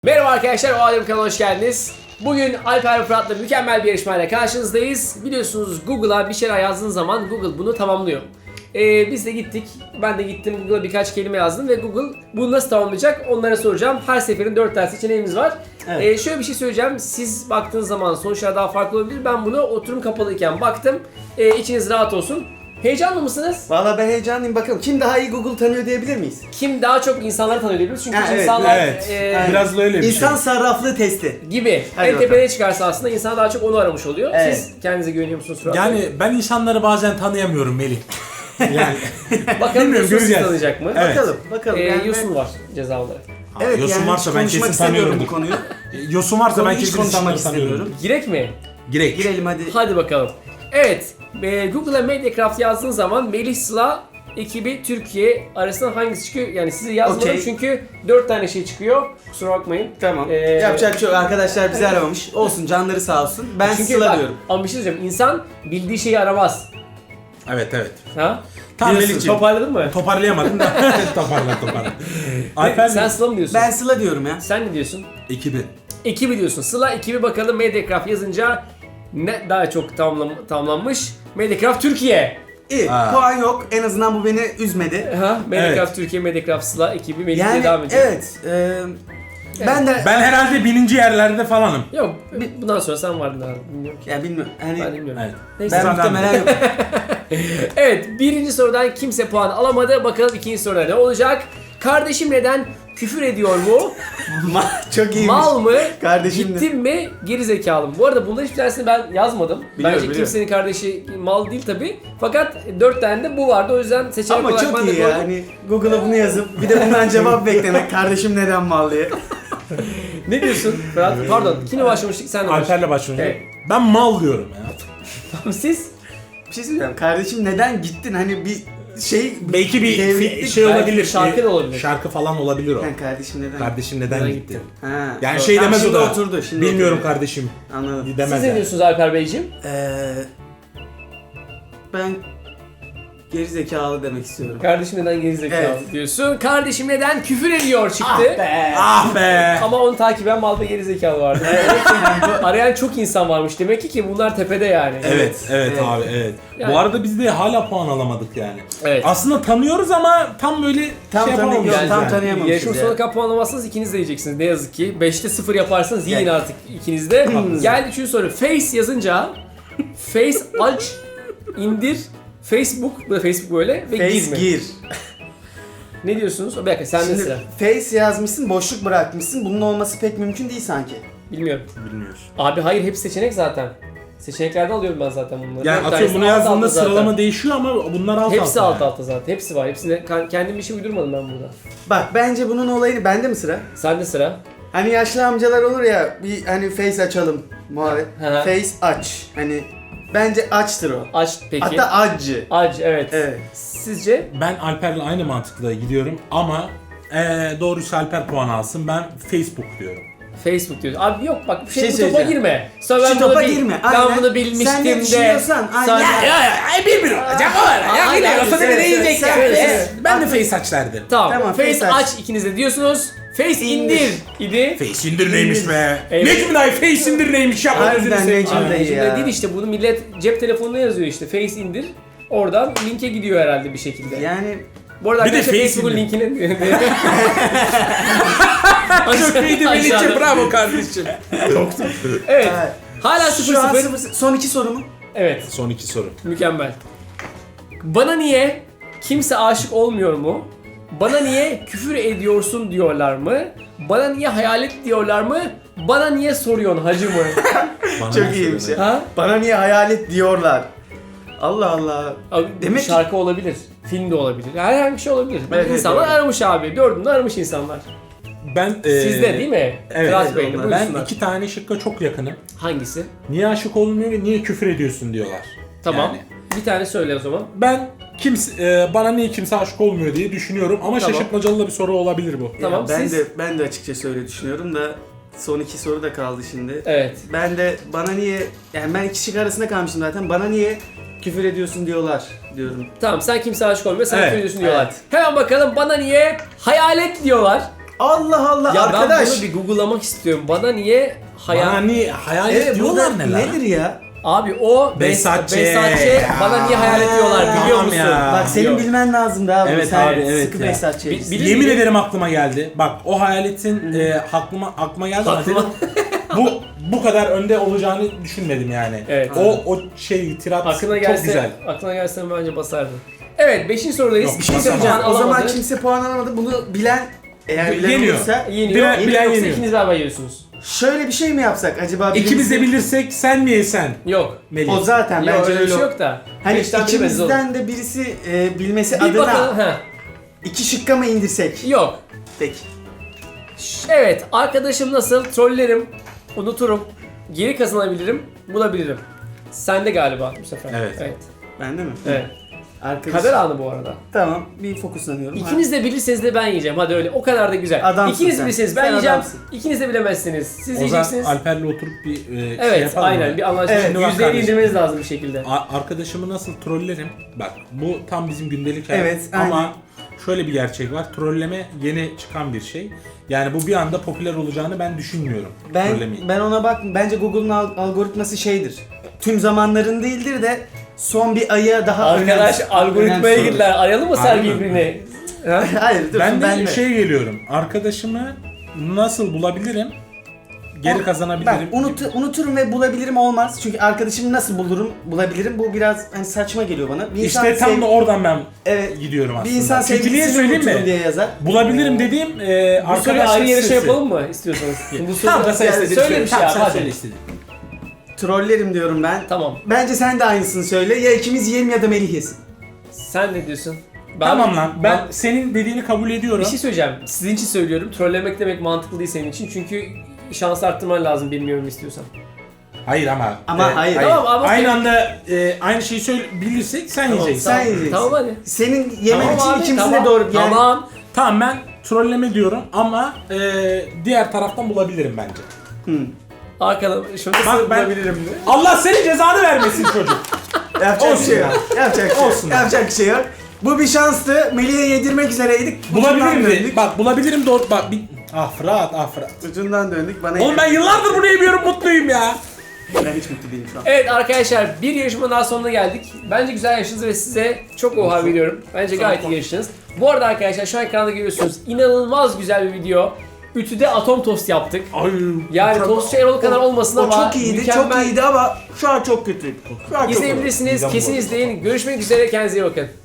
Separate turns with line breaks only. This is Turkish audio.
Merhaba arkadaşlar, o Alem kanalına hoş geldiniz. Bugün Alper ve Fırat'la mükemmel bir yarışmayla karşınızdayız. Biliyorsunuz Google'a bir şeyler yazdığın zaman Google bunu tamamlıyor. Biz de gittik, ben de gittim Google'a birkaç kelime yazdım ve Google bunu nasıl tamamlayacak onlara soracağım. Her seferin 4 tane seçeneğimiz var.
Evet.
Şöyle bir şey söyleyeceğim, siz baktığınız zaman sonuçlar daha farklı olabilir. Ben bunu oturum kapalıyken baktım, içiniz rahat olsun. Heyecanlı mısınız?
Valla ben heyecanlıyım, bakalım kim daha iyi Google tanıyor diyebilir miyiz?
Kim daha çok insanları tanıyor diyoruz çünkü
Ha, evet,
insanlar
Evet. Biraz da öyle bir
İnsan
şey.
sarraflığı testi.
gibi.
Hadi
En
bakalım.
tepeye çıkarsa aslında insan daha çok onu aramış oluyor.
Evet.
Siz kendinize güveniyor musunuz Fırat?
Yani ben insanları bazen tanıyamıyorum Melih. Yani
bakalım
bilmiyorum,
Yusuf sizi
göreceğiz.
tanıyacak mı?
Evet.
Bakalım.
Yosun var ceza olarak.
Evet,
Yosun
yani
varsa
hiç
ben
konuşmak
kesin tanıyorum
istemiyorum bu konuyu.
Yosun varsa ben
Konuyu hiç
kesin
konuşmak
insanları tanıyorum.
istemiyorum.
Girek mi?
Girek.
Girelim hadi.
Hadi bakalım. Evet, Google'a Mediacraft yazdığın zaman Melih Sıla ekibi Türkiye arasından hangisi çıkıyor? Yani sizi yazmadım
Okey.
çünkü 4 tane şey çıkıyor. Kusura bakmayın.
Tamam.
Ee,
Yapacak bir şey yok. Arkadaşlar bizi aramamış. Olsun, canları sağ olsun. Ben
Çünkü
Sıla
bak,
diyorum.
ama bir şey söyleyeceğim. İnsan bildiği şeyi aramaz.
Evet.
Ha?
Tamam
Diyorsun,
Melih'ciğim.
toparladın mı?
Toparlayamadım da toparla. Alper
Sen Sıla mı diyorsun?
Ben Sıla diyorum ya.
Sen ne diyorsun?
ekibi.
Ekibi diyorsun. Sıla ekibi bakalım Mediacraft yazınca ne daha çok tamamlanmış? Mediacraft Türkiye.
İyi.
Ha.
Puan yok. En azından bu beni üzmedi.
Mediacraft
Evet.
Türkiye, Mediacraft Sıla ekibi Melih'le
Yani
devam ediyor.
evet. Ben de
Ben herhalde 1000. yerlerde falanım.
Yok, bundan sonra sen vardın abi. Bilmiyorum ki.
ya bilmiyorum.
Ben
Hani
bilmiyorum.
Evet.
Neyse.
ben
Sıradan
muhtemelen yok.
Evet, birinci sorudan kimse puan alamadı. Bakalım ikinci soruda ne olacak? Kardeşim neden küfür ediyor mu?
Çok iyiymiş.
Mal mı?
Kardeşim de.
Gittim mi? Geri zekalı mı? Bu arada bunların hiçbir tanesini ben yazmadım. Bence
Biliyorum.
kimsenin kardeşi mal değil tabi. Fakat 4 tane de bu vardı. O yüzden seçenek
Ama
olarak
çok
ben de
iyi ya.
koydum.
Hani Google'a bunu yazıp bir de bundan cevap beklemek. Kardeşim neden mal diye.
Ne diyorsun Fırat? Pardon, kimle başlamıştık? Sen de
Alper'le başlayınca.
Evet.
Ben mal diyorum ya.
başladın. Siz?
Bir şey söyleyeceğim. Kardeşim neden gittin? Hani bir şey...
Belki bir
devletlik-
şey
Belki
olabilir.
şarkı da olabilir.
Şarkı falan olabilir o.
Yani kardeşim neden?
Kardeşim neden
Neden
gitti?
gitti?
Ha.
Yani
doğru.
şey
Tamam,
demez o
şimdi
da.
oturdu. Şimdi
Bilmiyorum
oturdu.
kardeşim.
Anladım.
Demez
Siz ne
yani.
diyorsunuz Alper Beyciğim?
Ben geri zekalı demek istiyorum.
Kardeşim neden gerizekalı
Evet.
diyorsun. Kardeşim neden küfür ediyor çıktı.
Ah be.
Ama onu takiben mal ve gerizekalı vardı. Arayan çok insan varmış demek ki bunlar tepede yani.
Evet
Evet.
abi evet.
Yani-
Bu arada biz de hala puan alamadık yani.
Evet.
Aslında tanıyoruz ama tam böyle
Tam
şey
tanımıyoruz,
yapamamışız
tam
yani.
tanıyamamışız
Yarışma
ya.
sonuna kadar puan alamazsanız ikiniz de yiyeceksiniz ne yazık ki. 5'te 0 yaparsanız yiyin
Gel.
artık ikiniz de. Geldi 3. soru. Face yazınca Face aç indir Facebook, bu da Facebook böyle ve
Face
girme.
gir.
Ne diyorsunuz? Bir dakika sende
Şimdi
sıra.
face yazmışsın, boşluk bırakmışsın. Bunun olması pek mümkün değil sanki.
Bilmiyorum.
Bilmiyoruz.
Abi hayır hepsi seçenek zaten. Seçeneklerde alıyorum ben zaten bunları.
Yani
Dört
atıyorum
tanesi
bunu
alt
yazdığında
alta zaten.
sıralama değişiyor ama bunlar alt
Hepsi
alta.
alt alta zaten. Hepsi var. Hepsine kendim bir şey uydurmadım ben burada.
Bak bence bunun olayını bende mi sıra?
Sende sıra.
Hani yaşlı amcalar olur ya, bir hani face açalım muhabbet.
Hı hı.
Face aç. Hani bence açtır o.
Aç peki.
Hatta acı.
Aç evet.
Evet.
Sizce?
Ben Alper'le aynı mantıkla gidiyorum ama doğrusu Alper puan alsın. Ben Facebook diyorum.
Facebook diyor. Abi yok bak bu
Şey
bu topa
söyleyeceğim.
girme. Sonra
Şu
ben bunu
topa girme,
Ben
aynen.
bunu bilmiştim
Sen ne
de.
düşünüyorsan, aynen.
Bir olacak o var.
Ya yine
olsa bir de yiyecek ya.
Ben de face aç derdim.
Tamam.
Tamam,
Face
face
aç ikiniz de diyorsunuz. Face indir idi.
Face indir neymiş be?
Evet.
Necmi dayı face indir neymiş ya?
Harbiden
Gözünü seveyim.
Necmi
Abi.
dayı.
Şimdi
ya.
değil işte bunu millet cep telefonuna yazıyor işte. Face indir. Oradan linke gidiyor herhalde bir şekilde.
Yani
Bu arada
Bir de
arkadaşlar
Face
Facebook'un
indir.
linkini
Çok iyiydi Melih'ciğim,
Aşağıda.
bravo kardeşim.
Evet.
evet.
Hala
Şu an
0-0.
son iki soru mu?
Evet.
Son iki soru.
Mükemmel. Bana niye kimse aşık olmuyor mu? Bana niye küfür ediyorsun diyorlar mı? Bana niye hayalet diyorlar mı? Bana niye soruyorsun hacı mı?
Bana
Çok
ne
iyiymiş
söylüyorsun?
ya.
Ha?
Bana niye hayalet diyorlar? Allah Allah.
Abi,
Demek ki-
şarkı olabilir, film de olabilir, herhangi bir şey olabilir.
Evet,
İnsanlar
doğru.
aramış abi, dördünde aramış insanlar.
Ben
Sizde değil mi?
evet,
Fırat
evet,
Bey'le
onlar.
Ben
buyursunlar.
iki tane şıkka çok yakınım.
Hangisi?
Niye aşık olmuyor ve niye küfür ediyorsun diyorlar.
Tamam.
Yani
Bir tane söyle o zaman.
ben bana niye kimse aşık olmuyor diye düşünüyorum ama
Tamam.
şaşırtmacalı da bir soru olabilir bu.
Tamam,
Ya
siz?
ben de açıkçası öyle düşünüyorum da son iki soru da kaldı şimdi.
Evet.
Ben de bana niye, yani ben iki şık arasında kalmışım zaten. Bana niye küfür ediyorsun diyorlar diyorum.
Tamam sen kimse aşık olmuyor, sen
Evet,
küfür ediyorsun diyorlar.
evet.
Hemen bakalım bana niye hayalet diyorlar.
Allah Allah
Ya
arkadaş.
ben bunu bir Google'lamak istiyorum. Bana niye
Bana niye hayalet
Evet
diyorlar
burada
ne lan?
nedir ya?
Abi o
Behzatçı.
bana niye hayalet diyorlar biliyor
Tamam
musun?
ya.
Bak senin
Yok.
bilmen lazım daha.
Evet
Sen
abi, evet
sıkı
ya.
Behzatçıyız.
Bilir
Yemin
miyim?
ederim aklıma geldi. Bak o hayaletin aklıma geldi. ama
Aklıma-
bu kadar önde olacağını düşünmedim yani.
Evet.
O şey tirat
Aklına
çok
gelse,
güzel.
aklına gelse bence basardın. Evet 5. sorudayız.
Yok,
Bir şey
Basamam.
söyleyeceğim. O zaman
Alamadı.
kimse puan alamadı. Bunu bilen eğer bilen
Yeniyor.
olursa
Yeniyor.
Bilen
Yoksa
yeniyor.
ikiniz beraber yiyorsunuz.
şöyle bir şey mi yapsak acaba?
İkimiz de
birimizin-
bilirsek sen mi yesen?
Yok.
Melih.
O zaten
Yok
bence
öyle bir
öyle.
şey yok da.
Hani
Beşten biri belli olur.
ikimizden de birisi bilmesi
Bir
adına
bakalım. Ha.
2 şıkka mı indirsek?
Yok.
Peki.
Evet arkadaşım nasıl? Trollerim. Unuturum. Geri kazanabilirim. Bulabilirim. Sende galiba bu sefer.
Evet.
Bende mi?
Evet.
Arkadaş.
Kader anı bu arada.
Tamam. Bir fokuslanıyorum.
İkiniz de bilirseniz de ben yiyeceğim. Hadi öyle. O kadar da güzel.
Adamsın
İkiniz
sen.
bilirseniz ben
Sen
yiyeceğim.
adamsın.
İkiniz de bilemezsiniz. Siz
O zaman
yiyeceksiniz.
Alper'le oturup bir şey
Evet
yapalım
aynen
mı?
bir anlaşma.
Evet,
şimdi bak
%50
kardeşim.
indirmeniz lazım bir şekilde.
Arkadaşımı nasıl trollerim? Bak bu tam bizim gündelik hayat.
Evet,
Ama
aynen.
şöyle bir gerçek var. Trolleme yeni çıkan bir şey. Yani bu bir anda popüler olacağını ben düşünmüyorum. Trollemeyi.
Ben ona bak. Bence Google'un algoritması şeydir. Tüm zamanların değildir de son bir aya daha
Arkadaş algoritmaya
önemsiyor.
girdiler. Arayalım mı
Harbi
Sergi
mi?
birbirini? Ha?
Hayır dur
Ben de
ben
şey geliyorum. Arkadaşımı nasıl bulabilirim? Geri kazanabilirim.
Bak unuturum ve bulabilirim olmaz. Çünkü arkadaşımı nasıl bulabilirim bu biraz hani saçma geliyor bana. Bir
İşte tam da oradan ben
Evet.
gidiyorum aslında.
Bir insan
Çünkü niye
sevgilisini
söyleyeyim
unuturum
mi?
diye yazar.
Bulabilirim dediğim
Bu soruyu
arkadaşlık
ayrı yarışa
sitesi.
yapalım mı istiyorsanız? Bu
Tamam da sen
yani
istediğini
söyle
söyle.
bir şey
Tamam,
abi
sen
hadi.
söyle istediğini.
Trollerim diyorum ben.
Tamam.
Bence sen de aynısını söyle. Ya ikimiz yiyelim ya da Melih yesin.
Sen ne diyorsun?
Tamam lan. Ben senin dediğini kabul ediyorum.
Bir şey söyleyeceğim. Sizin için söylüyorum. Trollemek demek mantıklı değil senin için. Çünkü şans arttırman lazım bilmiyorum istiyorsan.
Hayır ama.
Ama hayır.
Tamam, ama
aynı
okey.
anda aynı şeyi bilirsek sen yiyeceksin.
Sen yiyeceksin.
Tamam hadi.
Senin yemen
Tamam
için
abi,
ikimiz
tamam.
de doğru. Yani
Tamam.
Tamam ben trolleme diyorum ama diğer taraftan bulabilirim bence.
Arkadan şunu
Bak
nasıl
ben-
bulabilirim mi?
Allah senin cezanı vermesin çocuk.
yapacak
Olsun
bir şey
ya.
yok. Yapacak bir şey yok.
Olsun.
Yapacak bir şey yok. Bu bir şanstı. Melih'e yedirmek üzereydik.
Bulabilirim
Ucundan
de.
döndük.
Bak bulabilirim doğru. Bak bir. Fırat.
Ucundan döndük. Bana
Oğlum ben yıllardır bunu yemiyorum mutluyum ya.
ben hiç mutlu değilim şu an.
Evet arkadaşlar bir yarışma daha sonuna geldik. Bence güzel yarıştınız ve size çok oha veriyorum. Bence gayet iyi yarıştınız. Bu arada arkadaşlar şu an ekranda görüyorsunuz inanılmaz güzel bir video. Ütüde atom tost yaptık.
Ay.
Yani tostçu Erol kadar olmasın
O
ama
çok iyiydi, çok
mükemmel.
iyiydi ama şu an çok kötü. Şu an çok kötü.
İzleyebilirsiniz. Kesin izleyin. Görüşmek üzere. Kendinize iyi bakın.